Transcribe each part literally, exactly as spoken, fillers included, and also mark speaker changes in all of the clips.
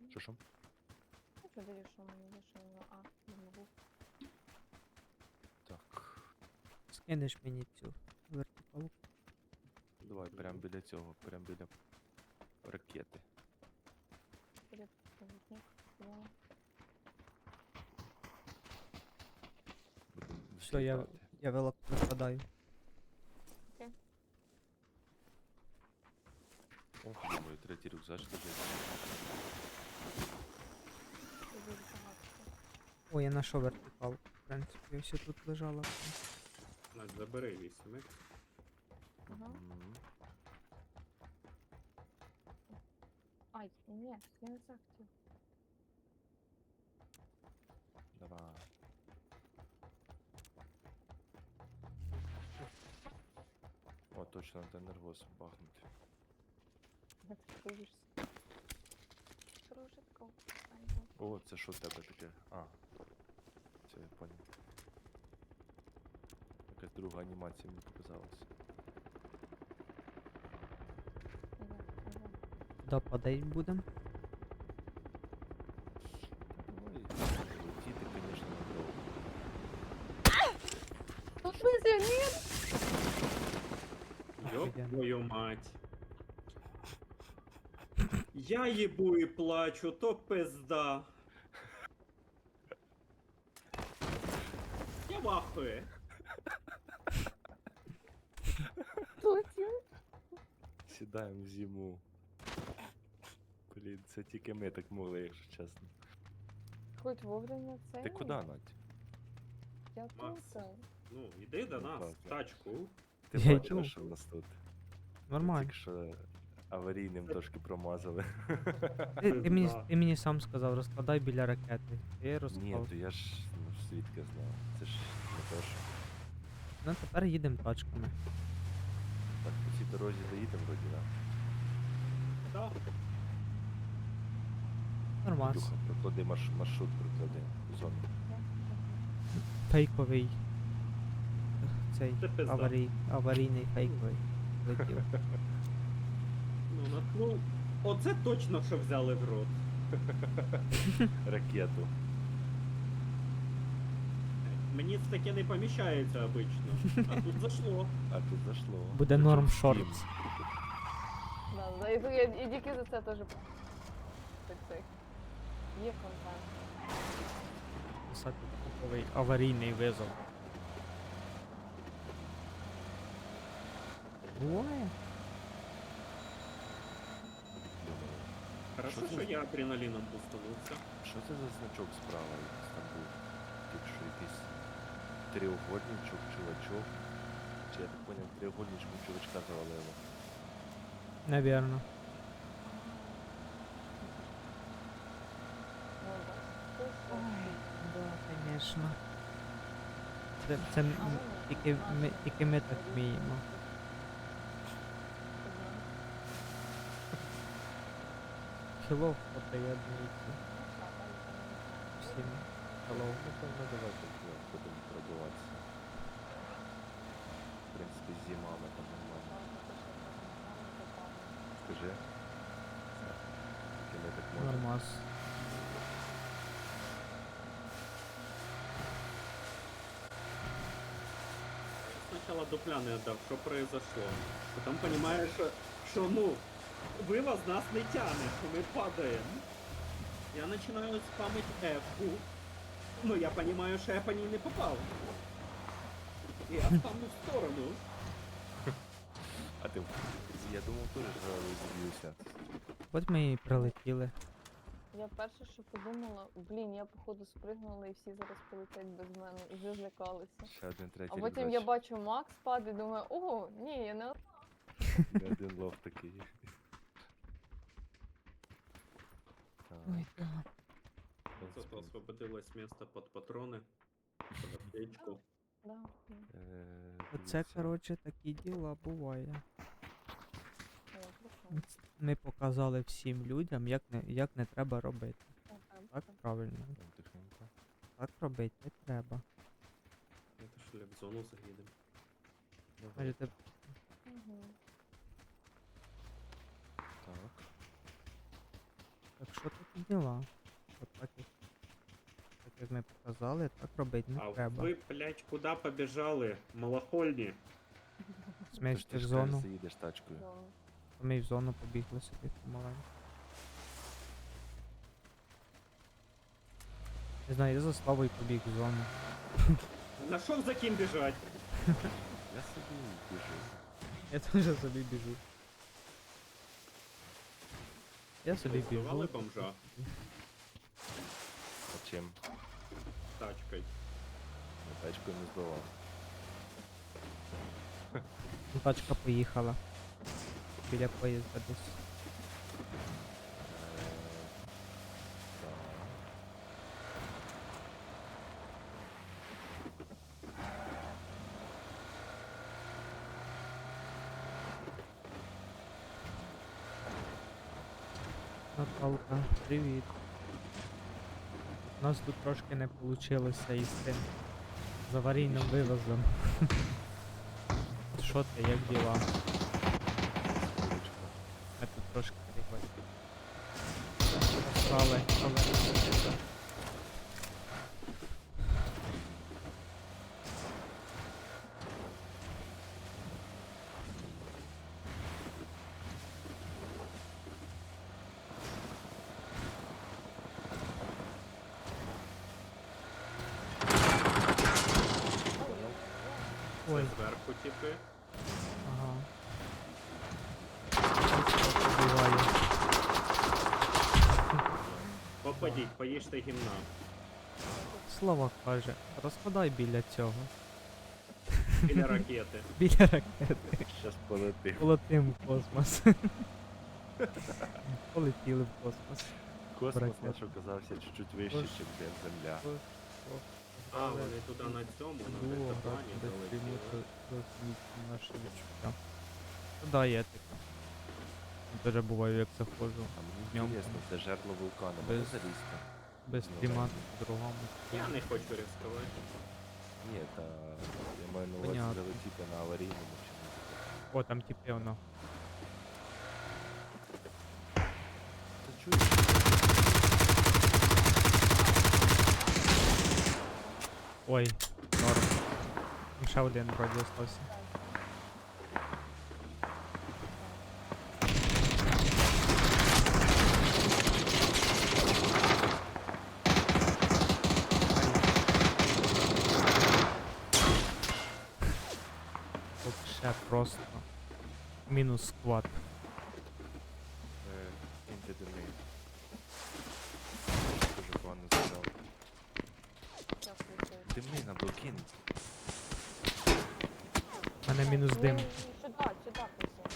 Speaker 1: Що що?
Speaker 2: Ну что, даешь, что мне решил? А, не могу.
Speaker 1: Так.
Speaker 3: Скинеш мені цю вертикалку.
Speaker 1: Давай прямо біля цього, прямо біля ракети.
Speaker 2: Привет, проводник. Да.
Speaker 1: Будемо
Speaker 3: Все, я,
Speaker 1: відлітати.
Speaker 3: я велик випадаю.
Speaker 1: О, думаю, третій рюкзак лежить.
Speaker 2: Ты будешь загадки.
Speaker 3: О, я знайшов вертикалку. В принципі, все тут лежало.
Speaker 4: Настя, забери вісімик.
Speaker 2: Ага.
Speaker 1: Мгм.
Speaker 2: Ай, нет, я не захотел.
Speaker 1: Давай. О, точно, треба нервоз бахнути.
Speaker 2: Это боишься. Кружитка. Ай,
Speaker 1: О, це що в тебе таке? А. Все, я понял. Якась друга анімація мені показалась.
Speaker 2: да, да, да.
Speaker 3: Куди падать будемо?
Speaker 1: Ну і летіти, звісно, недовго.
Speaker 2: Ну, в смысле, нет?
Speaker 4: Ёб
Speaker 3: Офігенно.
Speaker 4: твою мать. Я їбу і плачу, то пизда. Я вахую.
Speaker 2: Платил?
Speaker 1: Сідаємо в зиму. Блін, це тільки ми так могли, якщо чесно.
Speaker 2: Хоть вовремя цель.
Speaker 1: Ти куди, Надь?
Speaker 2: Я
Speaker 4: Макс.
Speaker 2: тут.
Speaker 4: Ну, іди до
Speaker 1: Ну,
Speaker 4: нас,
Speaker 1: так,
Speaker 4: в
Speaker 1: так.
Speaker 4: тачку.
Speaker 1: Ти
Speaker 3: Я
Speaker 1: бачила,
Speaker 3: йду.
Speaker 1: що в нас тут?
Speaker 3: Нормально.
Speaker 1: Тільки що аварійним трошки промазали.
Speaker 3: Ти, ти, мені,
Speaker 4: Да.
Speaker 3: ти мені сам сказав, розкладай біля ракети. Я
Speaker 1: Ні,
Speaker 3: розклав.
Speaker 1: то я ж ну, звідки знав. Це ж не то, що.
Speaker 3: Ну тепер їдемо тачками.
Speaker 1: Так, по цій дорозі доїдемо вроді, да?
Speaker 4: Да.
Speaker 3: Нормас.
Speaker 1: Люха, проклади марш, маршрут, проклади зону.
Speaker 3: Фейковий. Цей
Speaker 4: Це пизда.
Speaker 3: аварій, аварійний фейковий. Летів.
Speaker 4: Ну, на- ну, оце точно, що взяли в рот.
Speaker 1: Ракету.
Speaker 4: Мені це таке не поміщається обично. А тут зашло.
Speaker 1: А тут зашло.
Speaker 3: Буде
Speaker 1: Причому
Speaker 3: норм
Speaker 1: всім.
Speaker 3: шортс.
Speaker 2: Да, да, и, и, и Дики за це теж так цей. Є контент.
Speaker 3: Писати фейковий аварійний визов. Буває?
Speaker 1: Думаю,
Speaker 4: Хорошо,
Speaker 1: Що це
Speaker 4: що
Speaker 1: за-
Speaker 4: я адреналіном пустанувся.
Speaker 1: що це за значок справа якийсь там був? Тут що якийсь треугольничок, чувачок. Чи я так поняв, треугольничком чувачка завалило.
Speaker 3: Навірно.
Speaker 2: Ну, да. Ти що?
Speaker 3: Да, звісно. Це, це м-
Speaker 2: А вони?
Speaker 3: тільки, ми, тільки ми так вміємо. Хілов приєднується всім. Hello.
Speaker 1: Напевно, давайте вже будемо пробуватися. В принципі, зима, ми там нормально. Скажи. Тільки ми так можемо.
Speaker 3: Нормас.
Speaker 4: Сначала дупля не отдав, що произошло. Потім розумієш, що, що ну, вивоз нас не тягне, що ми падаємо. Я починаю спамить F-ку. Ну, я розумію, що я по ній не попав. І я спамлю в сторону.
Speaker 1: А ти, я думав, теж зараз зіб'юся.
Speaker 3: От ми і прилетіли.
Speaker 2: Я перше, що подумала, блін, я походу спригнула і всі зараз полетять без мене, і вже злякалися.
Speaker 1: Ще один третій
Speaker 2: А потім я
Speaker 1: рюкзач.
Speaker 2: бачу Макс падає, думаю, ого, ні, я не
Speaker 1: Не один лов такий. Так,
Speaker 3: Ой, да.
Speaker 1: в
Speaker 4: Зато
Speaker 1: принципі,
Speaker 4: освободилось місце під патрони, під аптечку.
Speaker 2: Да. да.
Speaker 1: е,
Speaker 3: Оце,
Speaker 1: дивіться.
Speaker 3: коротше, такі діла буває.
Speaker 2: Я прикольно.
Speaker 3: Ми показали всім людям, як не, як не треба робити.
Speaker 2: Ага,
Speaker 3: Так
Speaker 2: так.
Speaker 3: правильно.
Speaker 1: Там тихенько.
Speaker 3: Так робити не треба.
Speaker 4: Это що ли в зону заїдемо.
Speaker 1: Давай.
Speaker 3: Кажете,
Speaker 2: Мгм.
Speaker 1: Так.
Speaker 3: так що такі діла? От так як, так як ми показали, так робити не
Speaker 4: А
Speaker 3: треба.
Speaker 4: ви, блядь, куди побіжали? Малахольні.
Speaker 3: Смесь
Speaker 1: Ти
Speaker 3: в
Speaker 1: ж
Speaker 3: зону,
Speaker 1: кажеш, заїдеш тачкою.
Speaker 2: Ну,
Speaker 3: то ми й в зону побігли собі помаленьку. Не знаю, я за Славою побіг в зону.
Speaker 4: Нашов за ким біжать.
Speaker 1: Я собі біжу.
Speaker 3: Я теж собі біжу. Я собі
Speaker 4: Ви збивали
Speaker 3: біжу.
Speaker 4: бомжа
Speaker 1: А чим?
Speaker 4: тачкою.
Speaker 1: Я тачкою не збивав.
Speaker 3: Ну, тачка поїхала. Біля поїзда десь.
Speaker 1: Е, так.
Speaker 3: Наталка, привіт. У нас тут трошки не вийшло із тим з аварійним вивозом. Що ти, як діла?
Speaker 1: Курочка.
Speaker 3: Ми тут трошки перегодимо. Але, але.
Speaker 4: Це
Speaker 3: Ой,
Speaker 4: зверху типи.
Speaker 3: ага. Буває.
Speaker 4: Попадіть, поїжте гімна.
Speaker 3: Слава каже, розкладай біля цього.
Speaker 4: Біля ракети.
Speaker 3: Біля ракети.
Speaker 1: Щас полетим.
Speaker 3: Полетим в космос. Полетіли в космос.
Speaker 1: Космос
Speaker 3: Ракета.
Speaker 1: наш оказався чуть-чуть вище,
Speaker 3: Ось.
Speaker 1: ніж Земля.
Speaker 4: А, вони туди на цьому, на дельтаплані залетіли.
Speaker 3: Наші відчуття. Ну да, є таке. Дуже буває, як заходжу.
Speaker 1: А мені
Speaker 3: Днем
Speaker 1: інтересно, це жерло вулкана,
Speaker 3: без-
Speaker 1: можна залізти?
Speaker 3: Без
Speaker 1: Ну,
Speaker 3: стріма
Speaker 1: так.
Speaker 3: по-другому.
Speaker 4: Я не хочу ризикувати.
Speaker 1: Ні, та я маю на увазі
Speaker 3: Понятно.
Speaker 1: залетіти на аварійному чи не.
Speaker 3: О, там типи воно.
Speaker 1: Ти чуєш?
Speaker 3: Ой, норм. Там ще один вроді остався. Тут ще просто мінус склад.
Speaker 1: Е, Інти дими. Дуже погано згадав.
Speaker 2: що включив.
Speaker 1: Дими на блокін.
Speaker 3: У мене мінус
Speaker 2: Ні,
Speaker 3: дим.
Speaker 2: ні, ні, Сюди, сюди пусти.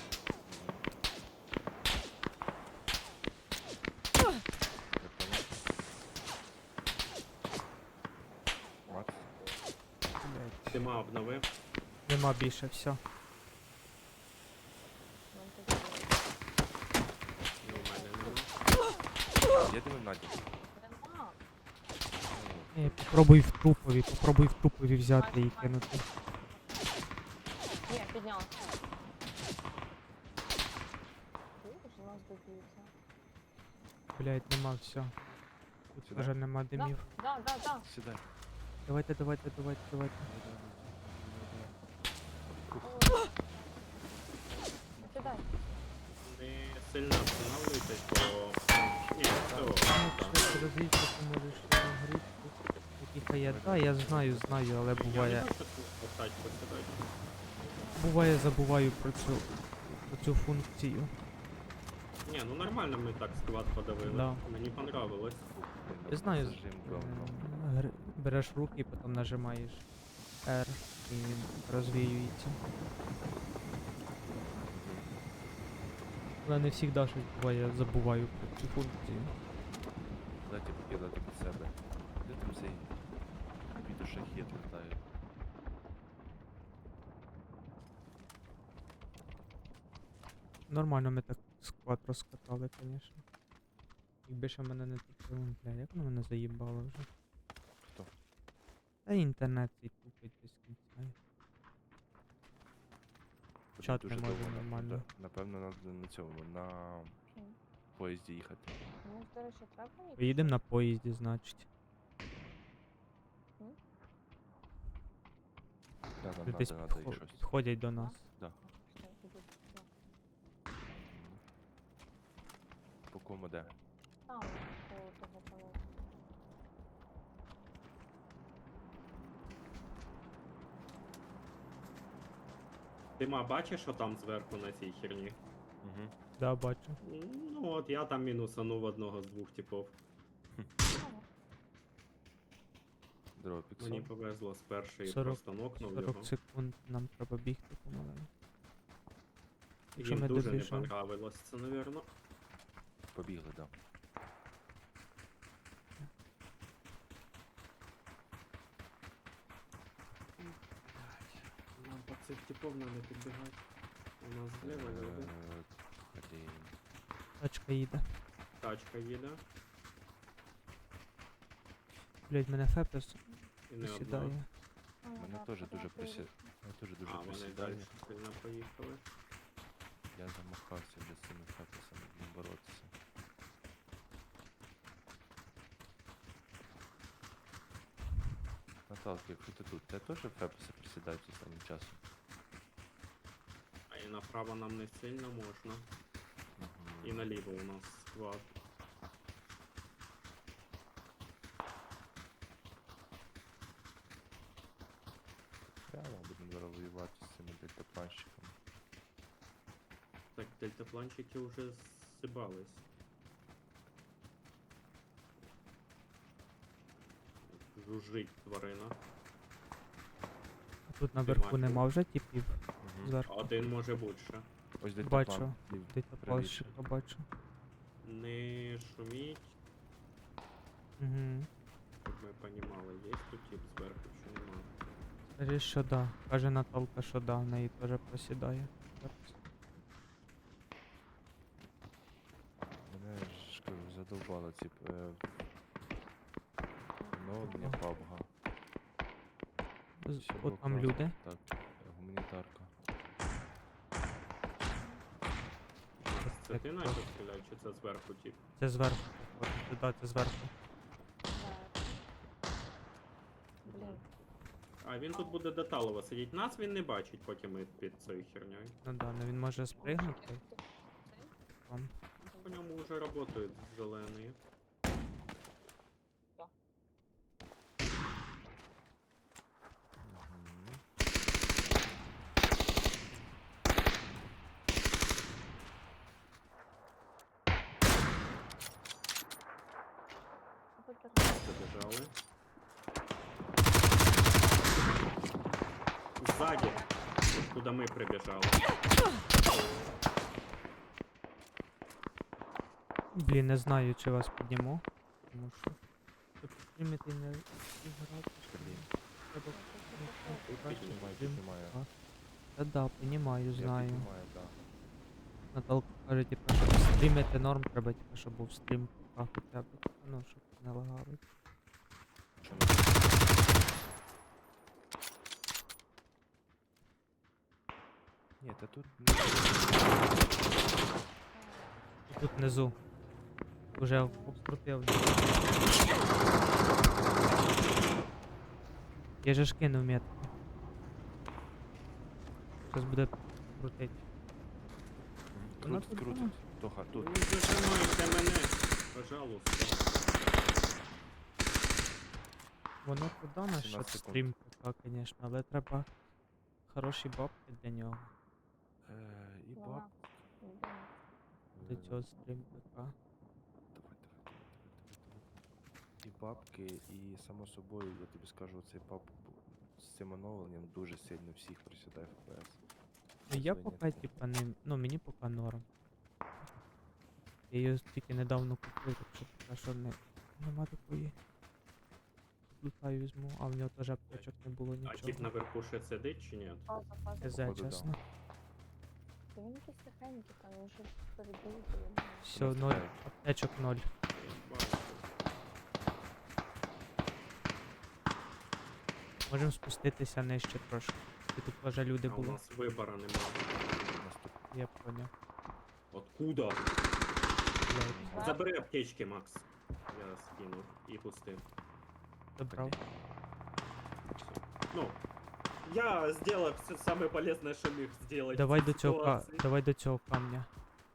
Speaker 1: Макс?
Speaker 4: Дима обновив.
Speaker 3: Нема більше, все.
Speaker 2: Нам тут
Speaker 4: Ну, в мене нема.
Speaker 1: Я дивив Надю.
Speaker 2: нема.
Speaker 3: Ні, попробуй в трупові, попробуй в трупові взяти і кинути.
Speaker 2: Ні, підняв. Видиш, у нас доб'ються.
Speaker 3: Блять, нема все. Тут
Speaker 1: Сюди?
Speaker 3: вже нема димів.
Speaker 2: Да, да, да.
Speaker 1: Сідай.
Speaker 3: Давайте, давайте, давайте, давайте.
Speaker 2: Ой. Сідай.
Speaker 4: Не сильно останавливайтесь, бо... Ні, все.
Speaker 3: Ну, якщо розвійся, то можеш грити. Які хає. Да, я знаю, знаю, але
Speaker 4: Я не
Speaker 3: буває.
Speaker 4: хочу поставити посідати.
Speaker 3: Буває, забуваю про цю, про цю функцію.
Speaker 4: Ні, ну нормально ми так склад подавили.
Speaker 3: Да.
Speaker 4: Мені понравилось.
Speaker 3: Я знаю,
Speaker 1: Зажим говно.
Speaker 3: М, гр- береш руки і потім нажимаєш R і він розвіюється. Але не завжди щось буває, я забуваю про цю функцію.
Speaker 1: Дайте покидати під себе. Де там цей підушахід літає?
Speaker 3: Нормально ми так склад розкатали, звісно. Якби ще мене не тупило, бля, як воно мене заїбало вже.
Speaker 1: Хто?
Speaker 3: Та інтернет цей тупить без кінця. Чат
Speaker 1: Дуже
Speaker 3: не може
Speaker 1: довго,
Speaker 3: нормально.
Speaker 1: да. Напевно, на, на цьому, на поїзді їхати.
Speaker 2: Ну, до речі, треба їх?
Speaker 3: Поїдемо на поїзді, значить.
Speaker 1: Да, нам
Speaker 3: Десь
Speaker 1: надо, надо їх
Speaker 3: підхо-
Speaker 1: щось.
Speaker 3: підходять до нас.
Speaker 1: Да.
Speaker 2: Все, іду. Да.
Speaker 1: По кому де?
Speaker 2: Там, по того пану.
Speaker 4: Дима, бачиш, що там зверху на цій херні?
Speaker 1: Угу.
Speaker 3: Да, бачу.
Speaker 4: Ну от я там мінусанув одного з двох типов.
Speaker 1: Здорово,
Speaker 4: Мені
Speaker 1: Піксон.
Speaker 4: повезло з першої
Speaker 3: сорок
Speaker 4: просто нокнув його.
Speaker 3: сорок секунд нам треба бігти помаленьку. Якщо
Speaker 4: Їм
Speaker 3: ми
Speaker 4: дуже не
Speaker 3: добіжимо.
Speaker 4: понравилось це, навірно.
Speaker 1: Побігли, да.
Speaker 4: Нам по цих типов треба підбігати. У нас зліва люди.
Speaker 1: Е, Блін.
Speaker 3: Тачка їде.
Speaker 4: Тачка їде.
Speaker 3: Блять, мене фепес
Speaker 4: І не одна.
Speaker 3: сідає.
Speaker 1: Мене теж дуже присі... Мене теж дуже
Speaker 4: А, вони
Speaker 1: присідає.
Speaker 4: далі сильно поїхали.
Speaker 1: Я замахався вже з цими фепесами не боротися. Наталка, якщо ти тут, тебе теж фепеси присідають останнім часом?
Speaker 4: А і направо нам не сильно можна. І
Speaker 1: Мгм.
Speaker 4: наліво у нас склад.
Speaker 1: Прямо будемо зараз воювати з цими дельтапланщиками.
Speaker 4: Так, дельтапланчики вже зсибались. Жужжить тварина.
Speaker 3: А тут наверху
Speaker 4: бачу.
Speaker 3: нема вже типів
Speaker 1: Мгм.
Speaker 3: зверху.
Speaker 4: Один може бути ще.
Speaker 1: Ось
Speaker 3: Бачу.
Speaker 1: дельтаплан. лів-
Speaker 3: Десь
Speaker 1: правіше.
Speaker 3: плащика бачу.
Speaker 4: Не шуміть,
Speaker 3: Угу.
Speaker 4: щоб ми понімали, є тут тип зверху чи нема.
Speaker 3: Скажи, що да. Каже Наталка, що да, в неї теж просідає. Зараз.
Speaker 1: Мене ж кажу, задовбало ці е, ну, не пабга.
Speaker 3: З-
Speaker 1: Ще
Speaker 3: От там
Speaker 1: блокнот.
Speaker 3: люди.
Speaker 1: Так, е, гуманітарка.
Speaker 4: Це
Speaker 3: Так,
Speaker 4: ти
Speaker 3: так.
Speaker 4: начав стріляти, чи це зверху тип?
Speaker 3: Це зверху. От, да, це зверху.
Speaker 2: Так. Блін.
Speaker 4: А він тут буде деталово сидіть. Нас він не бачить, поки ми під цією херньою.
Speaker 3: Ну да, ну він може спригнути. Там.
Speaker 4: По ньому вже працюють зелені.
Speaker 1: Мгм.
Speaker 4: Забіжали. Ззаді, куди ми прибіжали.
Speaker 3: Блін, не знаю, чи вас підніму. Тому що. Щоб піднімати не зіграти.
Speaker 1: Блін.
Speaker 3: Треба
Speaker 4: Тут
Speaker 3: краще
Speaker 1: Піднімаю,
Speaker 3: стрім.
Speaker 1: піднімаю.
Speaker 3: Та да, понімаю,
Speaker 1: Я
Speaker 3: знаю.
Speaker 1: піднімаю, да.
Speaker 3: Наталка каже, типу, щоб стрімити норм, треба, типу, щоб був стрім а хоча б. Ну, щоб не лагали.
Speaker 1: Чому? Ні, та тут
Speaker 3: І тут внизу. Уже обкрутив. Я же ж кинув метки. Зараз буде крутить. Вона
Speaker 1: крутить,
Speaker 3: тут
Speaker 1: крутить.
Speaker 3: була.
Speaker 1: Тоха, тут.
Speaker 4: Не зажимайте мене, пожалуйста.
Speaker 3: Воно туди на що
Speaker 1: сімнадцять секунд.
Speaker 3: стрім ПК, звісно, але треба хороші бабки для нього.
Speaker 1: Е, і баб.
Speaker 2: Вона.
Speaker 3: Для
Speaker 1: Е,
Speaker 3: цього стрім ПК.
Speaker 1: Давай, давай, давай, давай, давай. І бабки, і само собою, я тобі скажу, цей пап з цим оновленням дуже сильно всіх присідає еф пі ес.
Speaker 3: Ну я
Speaker 1: Це
Speaker 3: поки,
Speaker 1: ні.
Speaker 3: типа, не. Ну мені поки норм. Я її тільки недавно купив, так що поки що не. Нема такої. Лутаю візьму, а в нього теж аптечок не було
Speaker 4: А
Speaker 3: нічого.
Speaker 4: тип наверху ще сидить чи ні?
Speaker 2: Пауза, пауза.
Speaker 3: Хз,
Speaker 1: походу, да.
Speaker 3: чесно.
Speaker 2: Він якийсь тихенький, там він вже перебіг.
Speaker 3: Все, ноль,
Speaker 1: стріляє.
Speaker 3: аптечок ноль.
Speaker 4: Я бачу.
Speaker 3: Можемо спуститися нижче трошки. І тут теж люди
Speaker 4: А у
Speaker 3: були.
Speaker 4: нас вибора немає.
Speaker 1: Наступ-
Speaker 3: Я поняв.
Speaker 4: Откуда?
Speaker 3: стріляють.
Speaker 2: Да.
Speaker 4: Забери аптечки, Макс. Я скинув і пустив.
Speaker 3: Забрав.
Speaker 4: Ну, я сделал все самое полезное, что мог сделать.
Speaker 3: Давай
Speaker 4: в
Speaker 3: до
Speaker 4: цій
Speaker 3: цього ка...
Speaker 4: ситуації.
Speaker 3: давай до цього камня.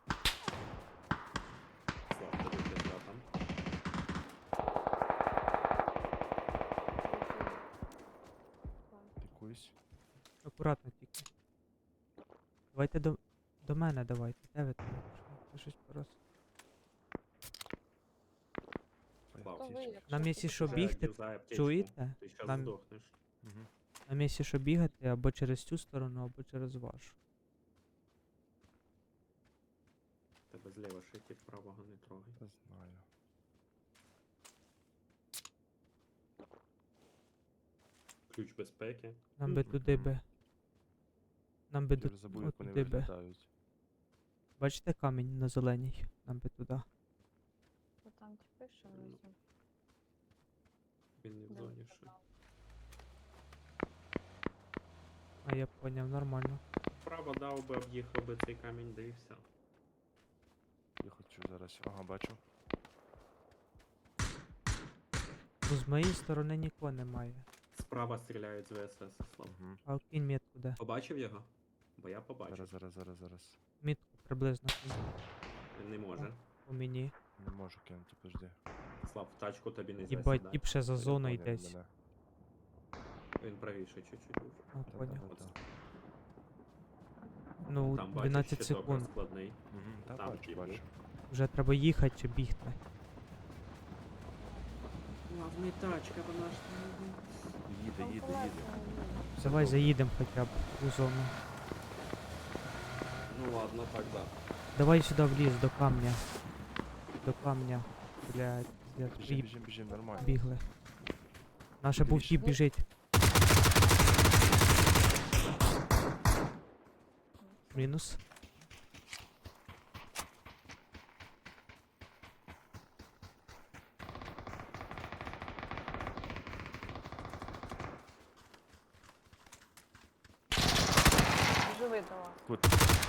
Speaker 4: Слав, тобі пизда там.
Speaker 1: Якусь.
Speaker 3: Акуратно тільки. Давайте до. До мене давайте. Де ви там? Що? Ви щось порос.
Speaker 4: Слав,
Speaker 2: То ви, якщо
Speaker 3: Нам якщо що
Speaker 2: хочете.
Speaker 3: бігти,
Speaker 4: Юзай аптечку.
Speaker 3: чуєте?
Speaker 4: Ти щас
Speaker 3: Нам-
Speaker 4: здохнеш.
Speaker 1: Угу.
Speaker 3: Нам якщо що бігати або через цю сторону, або через вашу.
Speaker 4: Тебе зліва шити, правого не трогай.
Speaker 1: Та знаю.
Speaker 4: Ключ безпеки.
Speaker 3: Нам би
Speaker 4: Мгм.
Speaker 3: туди би. Нам би
Speaker 1: Я
Speaker 3: до...
Speaker 1: вже забув, як вони
Speaker 3: туди би.
Speaker 1: виглядають.
Speaker 3: Бачите камінь на зеленій? Нам би туди.
Speaker 2: То там типи, що
Speaker 4: Ну,
Speaker 2: внизу.
Speaker 4: Він не в
Speaker 2: Да,
Speaker 4: зоні ще.
Speaker 2: там.
Speaker 3: А я поняв, нормально.
Speaker 4: Право дав би, об'їхав би цей камінь, да і все.
Speaker 1: Я хочу зараз. Ага, бачу.
Speaker 3: Ну з моєї сторони нікого немає.
Speaker 4: Справа стріляють з ВСС, Слав.
Speaker 1: Угу.
Speaker 3: А кінь метку де?
Speaker 4: Побачив його? Бо я побачив.
Speaker 1: Зараз, зараз, зараз, зараз.
Speaker 3: Мітку приблизно кинь
Speaker 4: Він не може.
Speaker 3: по мені.
Speaker 1: Не можу кинути, подожди.
Speaker 4: Слав, в тачку тобі не
Speaker 3: Їбать,
Speaker 4: засідає.
Speaker 3: тіп ще за
Speaker 1: Я
Speaker 3: зоною
Speaker 1: поняв
Speaker 3: десь.
Speaker 1: мене.
Speaker 4: Він правіше чуть-чуть був.
Speaker 3: Ну,
Speaker 1: Та-та-та-та.
Speaker 3: поняв.
Speaker 4: От
Speaker 3: Ну,
Speaker 4: Там
Speaker 3: дванадцять
Speaker 4: бачиш, щиток
Speaker 3: секунд.
Speaker 4: розкладний.
Speaker 1: Мгм, Та
Speaker 4: Там
Speaker 1: бачу,
Speaker 4: тіп
Speaker 1: бачу.
Speaker 4: був.
Speaker 3: Вже треба їхати чи бігти.
Speaker 4: Ладно, тачка, вона ж
Speaker 1: Їде,
Speaker 2: Там
Speaker 1: їде,
Speaker 2: колеса
Speaker 1: їде.
Speaker 2: не
Speaker 3: Давай заїдемо хоча б у зону.
Speaker 4: Ну ладно, так да.
Speaker 3: Давай сюди в ліс, до камня. До камня. Блядь, пиздец,
Speaker 1: Біжим,
Speaker 3: поїб-
Speaker 1: біжим, біжим, нормально.
Speaker 3: бігли. Наше був
Speaker 1: Більше.
Speaker 3: тіп біжить. Мінус.
Speaker 2: Живи до вас.
Speaker 1: Тут.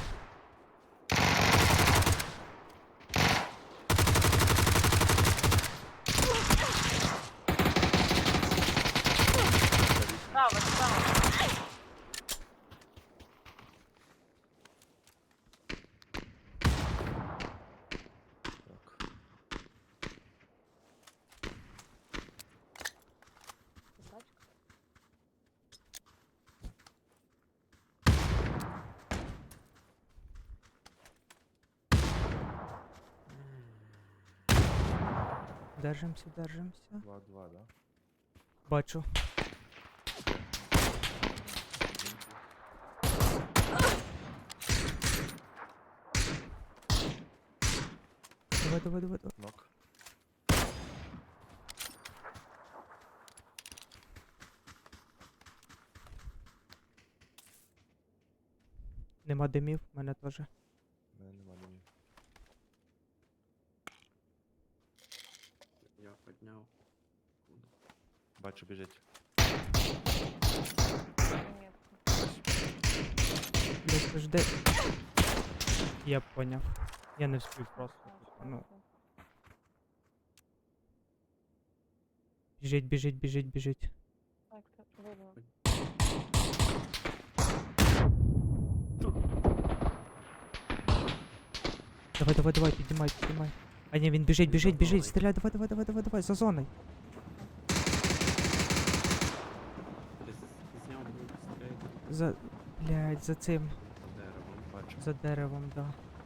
Speaker 2: Справа, справа.
Speaker 1: Так.
Speaker 2: Тачка.
Speaker 3: Держимося, держимося.
Speaker 1: Два-два, да?
Speaker 3: Бачу. Давай, давай, давай, давай.
Speaker 1: Нок.
Speaker 3: Нема димів, в мене теж.
Speaker 1: Мене нема ні.
Speaker 4: Я підняв.
Speaker 1: Бачу, біжить.
Speaker 2: Метку.
Speaker 3: Блядь, жди. Я поняв. Я не встиг просто. типу, Ну, біжить, біжить, біжить, біжить.
Speaker 2: Так, так, видно.
Speaker 3: Давай, давай, давай, піднімай, піднімай. А ні, він біжить,
Speaker 4: Він
Speaker 3: біжить,
Speaker 4: за
Speaker 3: біжить,
Speaker 4: зоною.
Speaker 3: стріляй, давай, давай, давай, давай, давай, за зоною.
Speaker 4: Десь зняв був стрейт
Speaker 3: За. Блядь, за цим.
Speaker 4: деревом.
Speaker 1: Бачу.
Speaker 3: За деревом, да.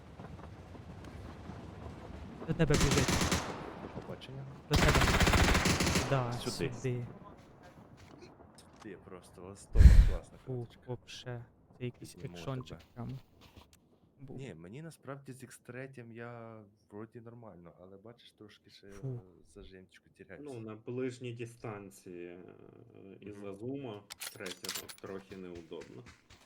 Speaker 3: До тебе біжить.
Speaker 1: До побачення.
Speaker 3: До тебе. Да,
Speaker 1: Сюди.
Speaker 3: сюди.
Speaker 1: Ти просто восток, класна
Speaker 3: Ух,
Speaker 1: карточка.
Speaker 3: вообще. Це якийсь
Speaker 1: Підніму
Speaker 3: екшончик
Speaker 1: тебе.
Speaker 3: прям. Був.
Speaker 1: Ні, мені насправді з ікс три я вроді нормально, але бачиш, трошки ще
Speaker 3: Фу.
Speaker 1: е, зажимчику тіряюся.
Speaker 4: Ну, на ближній дистанції е, із-за
Speaker 1: Мгм.
Speaker 4: зума третього трохи неудобно.